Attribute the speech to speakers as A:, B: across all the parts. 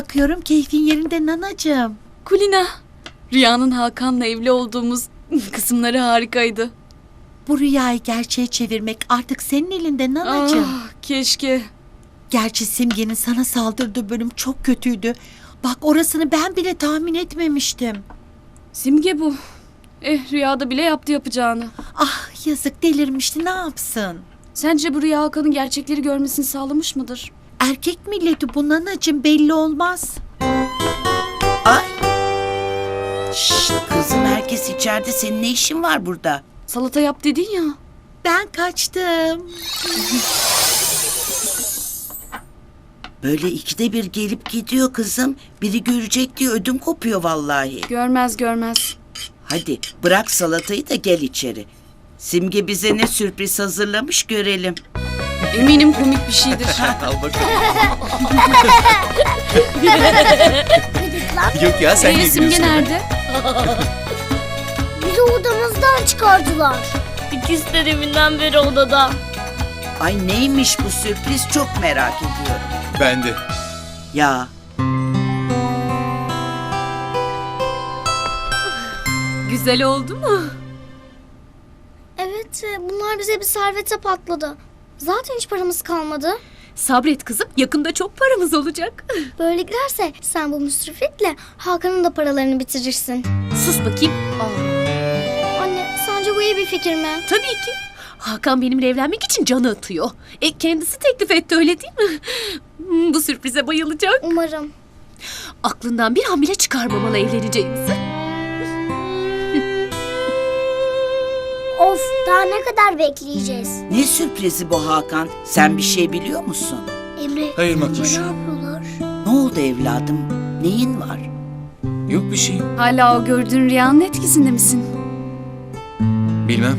A: bakıyorum keyfin yerinde nanacığım.
B: Kulina, Rüya'nın Hakan'la evli olduğumuz kısımları harikaydı.
A: Bu rüyayı gerçeğe çevirmek artık senin elinde nanacığım.
B: Keşke.
A: Gerçi Simge'nin sana saldırdığı bölüm çok kötüydü. Bak orasını ben bile tahmin etmemiştim.
B: Simge bu. Rüyada bile yaptı yapacağını.
A: Ah yazık delirmişti, ne yapsın?
B: Sence bu Rüya Hakan'ın gerçekleri görmesini sağlamış mıdır?
A: Erkek milleti bu nanacığım, belli olmaz.
C: Ay. Şşt kızım, herkes içeride, senin ne işin var burada?
B: Salata yap dedin ya.
A: Ben kaçtım.
C: Böyle ikide bir gelip gidiyor kızım. Biri görecek diye ödüm kopuyor vallahi.
B: Görmez görmez.
C: Hadi bırak salatayı da gel içeri. Simge bize ne sürpriz hazırlamış görelim.
B: Eminim komik bir şeydir.
D: Al bakalım. Yok ya, sen niye
B: Simge
D: gülüyorsun?
B: nerede?
E: Bizi odamızdan çıkardılar. İkisi de deminden beri odada.
C: Ay neymiş bu sürpriz, çok merak ediyorum.
D: Ben de.
C: Ya
B: Güzel oldu mu?
E: Evet, bunlar bize bir servete patladı. Zaten hiç paramız kalmadı.
B: Sabret kızım, yakında çok paramız olacak.
E: Böyle giderse sen bu müsriflikle Hakan'ın da paralarını bitirirsin.
F: Sus bakayım.
E: Anne, sence bu iyi bir fikir mi?
F: Tabii ki. Hakan benimle evlenmek için canı atıyor. Kendisi teklif etti, öyle değil mi? Bu sürprize bayılacak.
E: Umarım.
F: Aklından bir hamile çıkarmamalı evleneceğimizi.
E: Of, daha ne kadar bekleyeceğiz?
C: ne sürprizi bu Hakan? Sen bir şey biliyor musun?
E: Emre,
D: Hayır
E: sence
D: Makbuş.
E: ne yapıyorlar?
C: Ne oldu evladım? Neyin var?
D: Yok bir şey.
B: Hala o gördüğün rüyanın etkisinde misin?
D: Bilmem.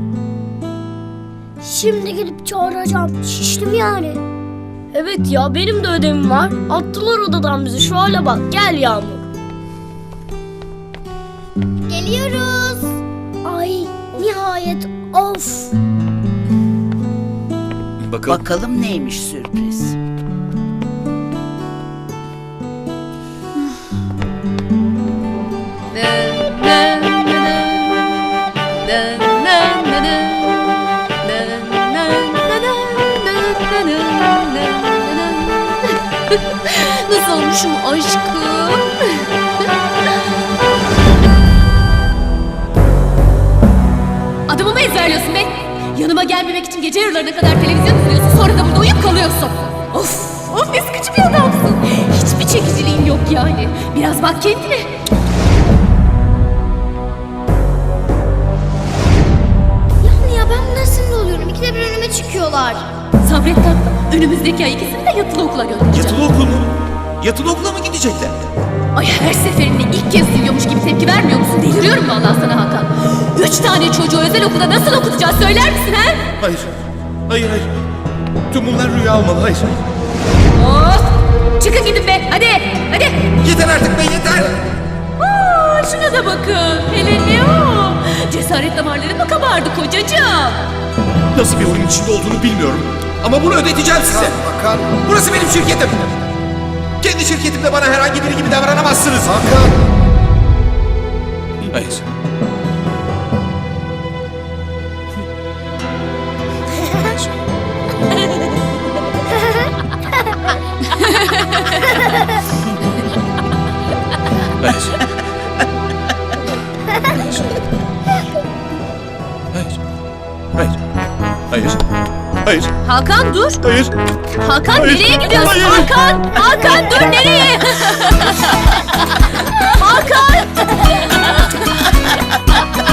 E: Şimdi gidip çağıracağım. Şiştim yani. Evet ya, benim de ödevim var. Attılar odadan bizi. Şu hale bak. Gel Yağmur. Geliyoruz. Ay nihayet. Of.
D: Bakalım.
C: Bakalım neymiş sürpriz.
F: Nasıl olmuşum aşkım? Adımı mı ezberliyorsun be? Yanıma gelmemek için gece yarılarına kadar televizyon izliyorsun, sonra da burada uyuyup kalıyorsun. Of ne sıkıcı bir adamsın. Hiçbir çekiciliğin yok yani. Biraz bak kendine.
E: Yani ya, ben bunlara sinir oluyorum. İkide bir önüme çıkıyorlar.
F: Sabret tatlım. Önümüzdeki ay ikisini de yatılı okula göndereceğim.
D: Yatılı okul mu? Yatılı okula mı gidecekler?
F: Ay her seferinde ilk kez duyuyormuş gibi tepki vermiyor musun? Deliriyorum vallahi sana Hakan. 3 tane çocuğu özel okulda nasıl okutacağız söyler misin ha?
D: Hayır. Hayır. Tüm bunlar rüya olmalı. Hayır.
F: Of! Çıkın gidin be hadi hadi.
D: Yeter artık be, yeter.
F: Şuna da bakın. Hele ne o? Cesaret damarları mı kabardı kocacığım?
D: Nasıl bir oyun içinde olduğunu bilmiyorum. Ama bunu ödeteceğim size.
G: Hakan.
D: Burası benim şirketim. Kendi şirketimde bana herhangi biri gibi davranamazsınız.
G: Hakan.
D: Hayır. Hayır. Hayır. Hayır. Hayır.
F: Hakan dur.
D: Hayır.
F: Hakan
D: Hayır.
F: nereye gidiyorsun?
D: Hayır.
F: Hakan dur nereye? Hakan.